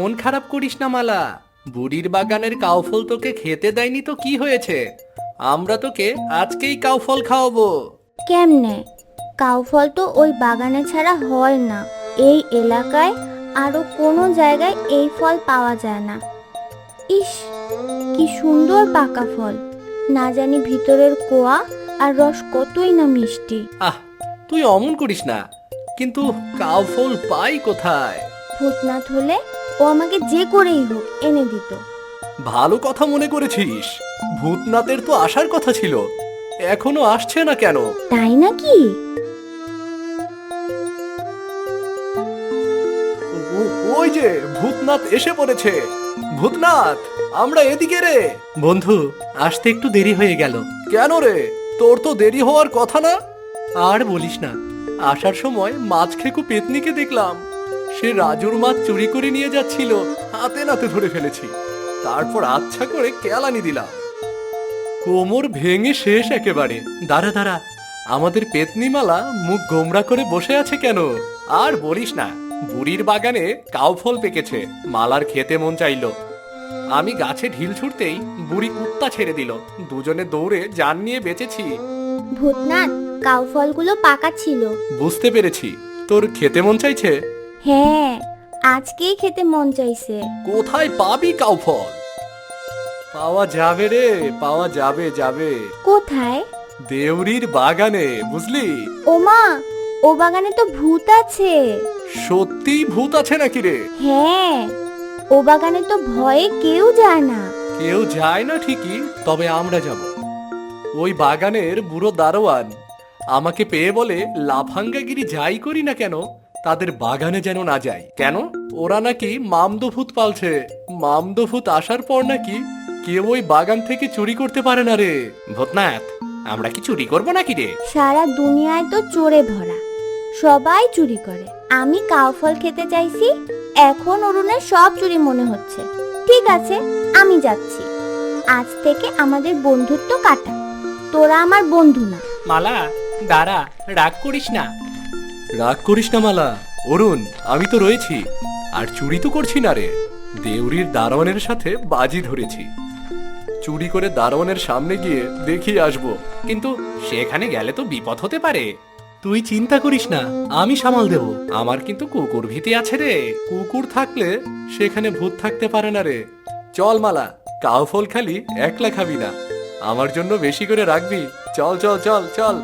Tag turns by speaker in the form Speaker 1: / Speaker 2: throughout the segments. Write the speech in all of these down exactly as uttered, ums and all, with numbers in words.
Speaker 1: মন খারাপ করিস না মালা। বুড়ির বাগানের কাউফল তোকে খেতে দেয়নি তো কি হয়েছে, আমরা তোকে আজকেই কাউফল খাওয়াবো।
Speaker 2: কেমনে? কাউফল তো ওই বাগানে ছাড়া হয় না। এই এলাকায় আরো কোনো জায়গায় এই ফল পাওয়া যায় না। ইস, কি সুন্দর পাকা ফল! না জানি ভিতরের কোয়া আর রস কতই না মিষ্টি।
Speaker 1: আহ, তুই অমন করিস না। কিন্তু কাউফল পাই কোথায়?
Speaker 2: ভূতনাথ হলে ও আমাকে যে করেই হোক এনে দিত।
Speaker 1: ভালো কথা মনে করেছিস। ভূতনাথের তো আসার কথা ছিল, এখনো আসছে না কেন?
Speaker 2: তাই নাকি?
Speaker 1: ও- ওই যে ভূতনাথ এসে পড়েছে। ভূতনাথ, আমরা এদিকে রে। বন্ধু, আসতে একটু দেরি হয়ে গেল। কেন রে, তোর তো দেরি হওয়ার কথা না। আর বলিস না, আসার সময় মাছ খেকু পেতনিকে দেখলাম। সে রাজুর মাছ চুরি করে নিয়ে যাচ্ছিল, হাতে নাতে ধরে ফেলেছি। তারপর আচ্ছা করে কেলানি দিলাম। কোমর ভেঙে শেষ একেবারে। দাঁড়া দাঁড়া, আমাদের পেতনিমালা মুখ গোমরা করে বসে আছে কেন? আর বলিস না, বুড়ির বাগানে কাউফল পেকেছে, মালার খেতে মন চাইলো। আমি গাছে ঢিল ছুটতেই বুড়ি কুত্তা ছেড়ে দিল। দুজনে দৌড়ে জান নিয়ে বেঁচেছি।
Speaker 2: ভূতনাথ, কাউফলগুলো পাকা ছিল।
Speaker 1: বুঝতে পেরেছি, তোর খেতে মন চাইছে।
Speaker 2: হ্যাঁ, আজকেই খেতে মন চাইছে।
Speaker 1: কোথায় পাবি কাউফল? পাওয়া যাবে রে, পাওয়া যাবে যাবে।
Speaker 2: কোথায়?
Speaker 1: দেউরির বাগানে, বুঝলি?
Speaker 2: ওমা, ও বাগানে তো ভূত আছে।
Speaker 1: সত্যি ভূত আছে নাকি রে?
Speaker 2: হ্যাঁ, ও বাগানে তো ভয়ে কেউ যায় না।
Speaker 1: কেউ যায় না ঠিকই, তবে আমরা যাব। ওই বাগানের বুড়ো দারোয়ান আমাকে পেয়ে বলে, লাফাঙ্গাগিরি যাই করি না কেন তাদের বাগানে যেন না যাই। কেন? ওরা নাকি মামদভূত পালছে। মামদভূত আসার পর নাকি কেউ ওই বাগান থেকে চুরি করতে পারে না রে। ভূতনাথ, আমরা কি চুরি করব নাকি রে?
Speaker 2: সারা দুনিয়ায় তো চোরে ভরা, সবাই চুরি করে। আমি কাউফল খেতে চাইছি, এখন অরুণের সব চুরি মনে হচ্ছে। ঠিক আছে, আমি যাচ্ছি। আজ থেকে আমাদের বন্ধুত্ব কাটা। তোরা আমার বন্ধু না।
Speaker 1: মালা, দাঁড়া, রাগ করিস না। রাগ করিস না মালা। অরুণ, আমি তো রয়েছি, আর চুরি তো করছি না রে। দেউরির দারোয়ানের সাথে বাজি ধরেছি। চুরি করে দারোয়ানের সামনে গিয়ে দেখিয়ে আসবো, কিন্তু সেখানে গেলে তো বিপদ হতে পারে। তুই চিন্তা করিস না, আমি সামাল দেব। আমার কিন্তু কুকুর ভীতি আছে রে। কুকুর থাকলে সেখানে ভূত থাকতে পারে না রে। চল মালা, কাউফল খালি একলা খাবি না, আমার জন্য বেশি করে রাখবি। চল চল চল চল।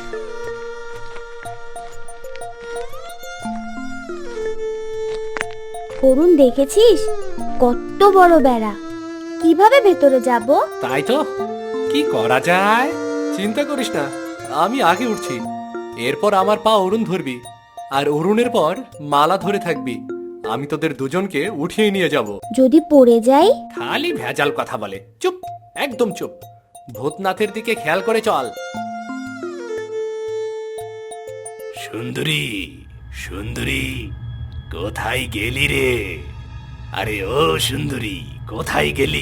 Speaker 2: অরুণ, দেখেছিস কত বড় বেড়া? কিভাবে ভেতরে যাব?
Speaker 1: তাই তো, কি করা যায়? চিন্তা করিস না, আমি আগে উঠছি। এরপর আমার পা অরুণ ধরবি, আর অরুণের পর মালা ধরে থাকবি। আমি তোদের দুজনকে উঠিয়ে নিয়ে যাব।
Speaker 2: যদি পড়ে যাই?
Speaker 1: খালি ভেজাল কথা বলে। চুপ, একদম চুপ। ভূতনাথের দিকে খেয়াল করে চল।
Speaker 3: সুন্দরী, সুন্দরী, কোথায় গেলি রে? আরে ও সুন্দরী, কোথায় গেলি?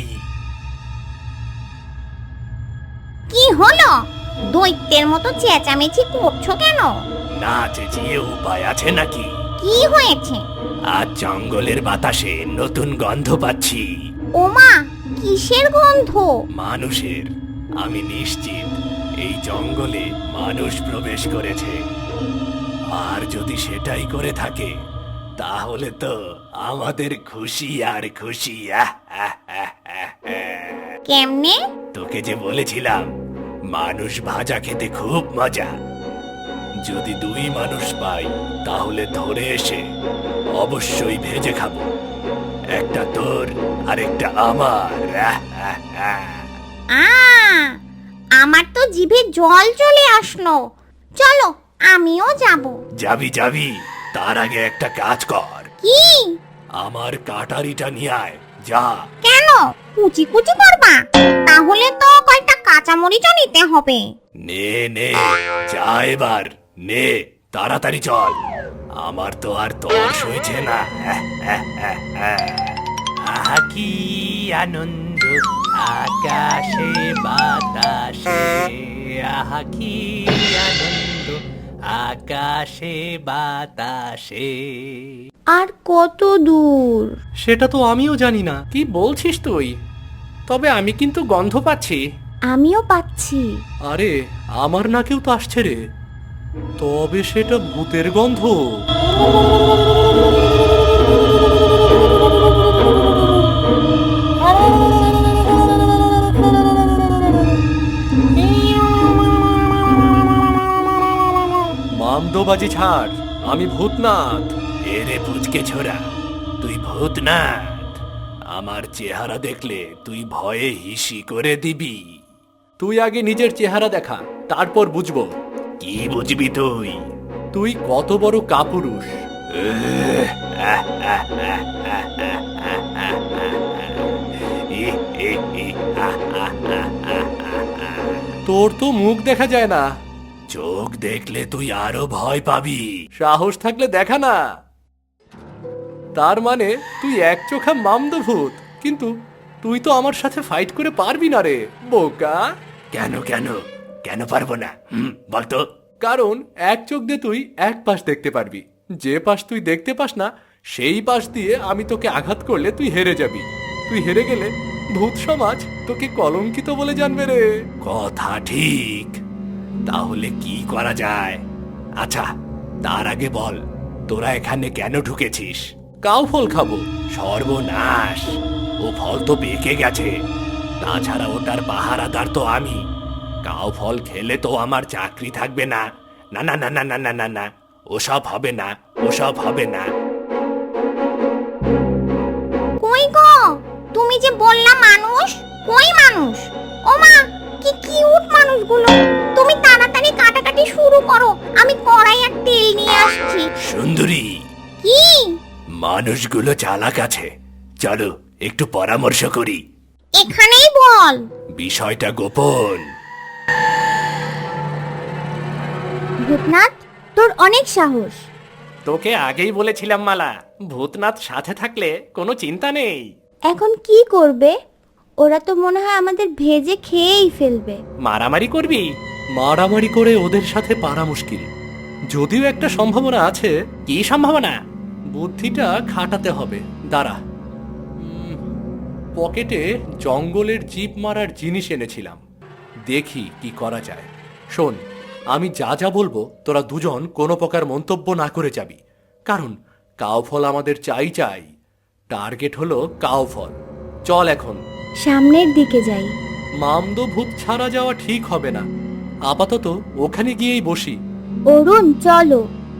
Speaker 4: কি হলো? দৈত্যের মতো চেঁচামেচি করছো কেন?
Speaker 3: না চেঁচিয়ে উপায় আছে নাকি?
Speaker 4: কি হয়েছে?
Speaker 3: আজ জঙ্গলের বাতাসে নতুন গন্ধ পাচ্ছি।
Speaker 4: ওমা, কিসের গন্ধ?
Speaker 3: মানুষের। আমি নিশ্চিত এই জঙ্গলে মানুষ প্রবেশ করেছে। আর যদি সেটাই করে থাকে, তাহলে তো আমাদের খুশি আর খুশি। আহ, আহ, আহ, আহ, আহ।
Speaker 4: কেমনে?
Speaker 3: তোকে যে বলেছিলাম মানুষ ভাজা খেতে খুব মজা। যদি দুই মানুষ পাই, তাহলে ধরে এসে অবশ্যই ভেজে খাবো। একটা তোর আর একটা আমার। আহ, আহ, আহ।
Speaker 4: আ আমার তো জিভে জল চলে আসলো। চলো, আমিও যাব।
Speaker 3: যাবি যাবি, তার আগে একটা কাজ কর।
Speaker 4: কি?
Speaker 3: আমার কাটারিটা নিয়ে আয়, যা।
Speaker 4: কেন? কুচি কুচি করবা? তাহলে তো কয়টা কাঁচামরিচও নিতে হবে।
Speaker 3: নে নে, যা এবার, নে, তাড়াতাড়ি চল। আমার তো আর তর্স হয়েছে না। আহা কি আনন্দ আকাশে বাতাসে, আহা কি আনন্দ আকাশে বাতাসে।
Speaker 2: আর কত দূর?
Speaker 1: সেটা তো আমিও জানি না। কি বলছিস তুই? তবে আমি কিন্তু গন্ধ পাচ্ছি।
Speaker 2: আমিও পাচ্ছি।
Speaker 1: আরে আমার নাকেও তো আসছে রে। তবে সেটা ভূতের গন্ধ। মামদোবাজি ছাড়, আমি ভূতনাথ।
Speaker 3: এরে পুচকে ছোড়া, তুই ভূতনাথ? আমার চেহারা দেখলে তুই ভয়ে হিসি করে দিবি।
Speaker 1: তুই আগে নিজের চেহারা দেখা, তারপর বুঝবো
Speaker 3: কি বুঝবি তুই?
Speaker 1: তুই কত বড় কাপুরুষ।
Speaker 3: এহ, আহ, আহ, আহ, আহ, আহ, আহ, আহ, আহ। ই, ই, ই, আহ, আহ, আহ, আহ, আহ, আহ।
Speaker 1: তোর তো মুখ দেখা যায় না।
Speaker 3: চোখ দেখলে তুই আরো ভয় পাবি।
Speaker 1: সাহস থাকলে দেখা না। তার মানে তুই এক চোখা মামদভূত, কিন্তু তুই তো আমার সাথে ফাইট করে পারবি না রে বোকা।
Speaker 3: কেন কেন কেন পারবো না? হুম, বলতো।
Speaker 1: কারণ এক চোখ দিয়ে তুই এক পাশ দেখতে পারবি, যে পাশ তুই দেখতে পাস না সেই পাশ দিয়ে আমি তোকে আঘাত করলে তুই হেরে যাবি। তুই হেরে গেলে ভূত সমাজ তোকে কলঙ্কিত বলে জানবে রে।
Speaker 3: কথা ঠিক, তাহলে কি করা যায়? আচ্ছা, তার আগে বল, তোরা এখানে কেন ঢুকেছিস?
Speaker 1: কাউ ফল খাবো।
Speaker 3: সর্বনাশ, ও ফল তো পেকে গেছে। তাছাড়া ওটার পাহারাদার তো আমি। কাউ ফল খেলে তো আমার চাকরি থাকবে না। না না না না না না না না, ওসব হবে না, ওসব হবে না।
Speaker 4: কই গো, তুমি যে বললা মানুষ, কই মানুষ? ও মা, কি কিউট মানুষগুলো। তুমি তাড়াতাড়ি কাটাকাটি শুরু করো, আমি কড়াই আর তেল নিয়ে আসছি।
Speaker 3: সুন্দরী,
Speaker 4: কি?
Speaker 3: মানুষগুলো চালাক আছে, চলো একটু পরামর্শ করি।
Speaker 4: এখানেই বল।
Speaker 3: বিষয়টা গোপন।
Speaker 2: ভূতনাথ, তোর অনেক সাহস।
Speaker 1: তোকে আগেই বলেছিলাম মালা, ভূতনাথ সাথে থাকলে কোনো চিন্তা নেই।
Speaker 2: এখন কি করবে? ওরা তো মনে হয় আমাদের ভেজে খেয়েই ফেলবে।
Speaker 1: মারামারি করবি? মারামারি করে ওদের সাথে পারা মুশকিল, যদিও একটা সম্ভাবনা আছে। কি সম্ভাবনা? বুদ্ধিটা খাটাতে হবে। দাঁড়া, উম, পকেটে জঙ্গলের জিপ মারার জিনিস এনেছিলাম, দেখি কি করা যায়। শোন, আমি যা যা বলবো তোরা দুজন কোনো প্রকার মন্তব্য না করে যাবি, কারণ কাউফল আমাদের চাই চাই। টার্গেট হলো কাউফল। চল এখন।
Speaker 2: সামনের দিকে যাই।
Speaker 1: মামদো ভূত ছাড়া যাওয়া ঠিক হবে না, আপাতত ওখানে গিয়েই বসি।
Speaker 2: অরুণ, চলো।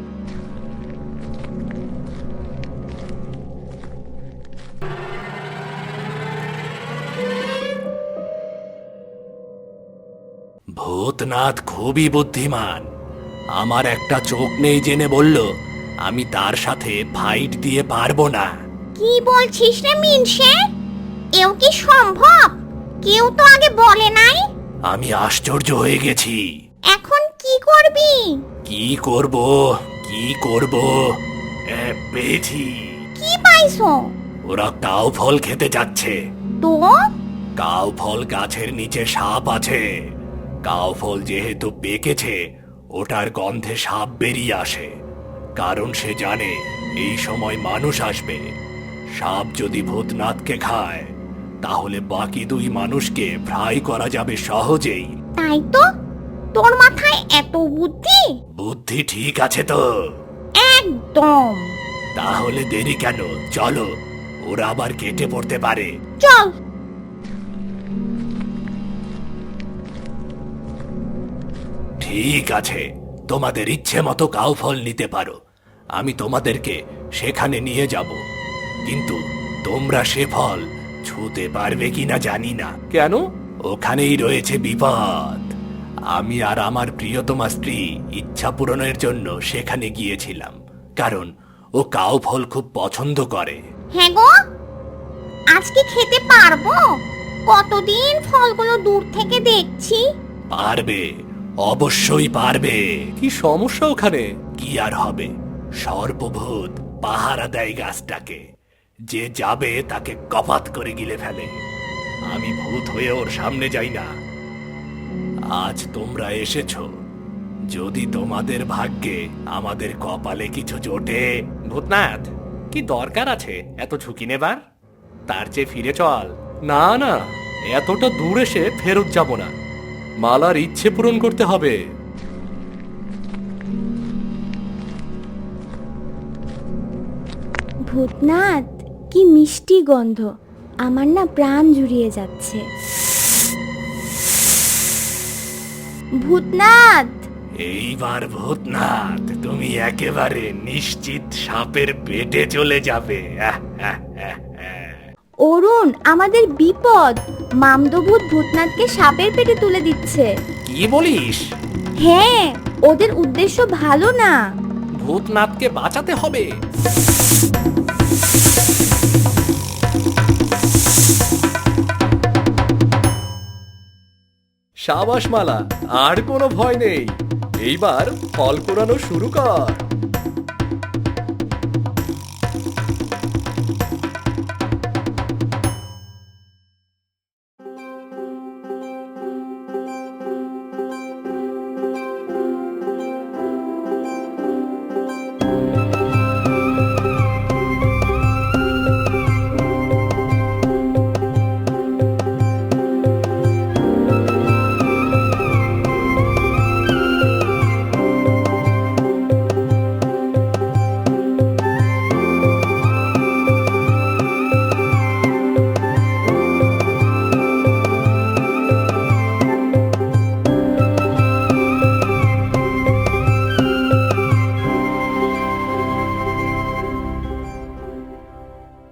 Speaker 3: ভূতনাথ খুবই বুদ্ধিমান। আমার একটা চোখ নেই জেনে বলল আমি তার সাথে ফাইট দিয়ে পারবো না।
Speaker 4: কি বলছিস রে মিনসে? এও কি সম্ভব? কেউ তো আগে বলে নাই।
Speaker 3: আমি আশ্চর্য হয়ে গেছি।
Speaker 4: এখন কি করবি?
Speaker 3: কি করব কি করব এ, পেয়েছি।
Speaker 4: কি পাইছো?
Speaker 3: ওরা কাউ ফল খেতে যাচ্ছে।
Speaker 4: তো
Speaker 3: কাউ ফল গাছের নিচে সাপ আছে। কাউ ফল যেহেতু পেকেছে, ওটার গন্ধে সাপ বেরিয়ে আসে, কারণ সে জানে এই সময় মানুষ আসবে। সাপ যদি ভূতনাথকে খায়, তাহলে বাকি দুই মানুষকে ফ্রাই করা যাবে সহজেই।
Speaker 4: তাই তো, তোর মাথায় এত বুদ্ধি?
Speaker 3: বুদ্ধি ঠিক আছে তো?
Speaker 4: একদম।
Speaker 3: তাহলে দেরি কেন, চলো, ওরা আবার কেটে পড়তে পারে।
Speaker 4: চল।
Speaker 3: ঠিক আছে, তোমাদের ইচ্ছে মতো কাউ ফল নিতে পারো, আমি তোমাদেরকে সেখানে নিয়ে যাব। কিন্তু তোমরা সে ফল ছুঁতে পারবে কিনা জানি না।
Speaker 1: কেন?
Speaker 3: ওখানেই রয়েছে বিপদ। আমি আর আমার প্রিয়তমা স্ত্রী ইচ্ছা পূরণের জন্য সেখানে গিয়েছিলাম, কারণ ও কাউ ফল খুব পছন্দ করে।
Speaker 4: হ্যাঁ গো, আজকে খেতে পারবো? কতদিন ফলগুলো দূর থেকে দেখছি।
Speaker 3: পারবে, অবশ্যই পারবে।
Speaker 1: কি সমস্যা ওখানে?
Speaker 3: কি আর হবে, সর্পভূত পাহারা দেয় গাছটাকে। যে যাবে তাকে কপাত করে গিলে ফেলে। আমি ভূত হয়ে ওর সামনে যাই না। আজ তোমরা এসেছো, যদি তোমাদের ভাগ্যে আমাদের কপালে কিছু জোটে।
Speaker 1: ভূতনাথ, কি দরকার আছে এত ঝুঁকি নেবার? তার চেয়ে ফিরে চল। না না, এতটা দূর এসে ফেরত যাব না। মালার ইচ্ছে পূরণ করতে হবে।
Speaker 2: ভূতনাথ, কি মিষ্টি গন্ধ, আমার না প্রাণ জুড়িয়ে যাচ্ছে। ভূতনাথ!
Speaker 3: এইবার ভূতনাথ তুমি একেবারে নিশ্চিত সাপের পেটে চলে যাবে। আহ, আহ, আহ, আহ।
Speaker 2: অরুণ, আমাদের বিপদ! মামদভূত ভূতনাথকে সাপের পেটে তুলে দিচ্ছে।
Speaker 1: কি বলিস?
Speaker 2: হ্যাঁ, ওদের উদ্দেশ্য ভালো না।
Speaker 1: ভূতনাথকে বাঁচাতে হবে। সাবাস মালা, আর কোনো ভয় নেই। এইবার ফল কুড়ানো শুরু কর।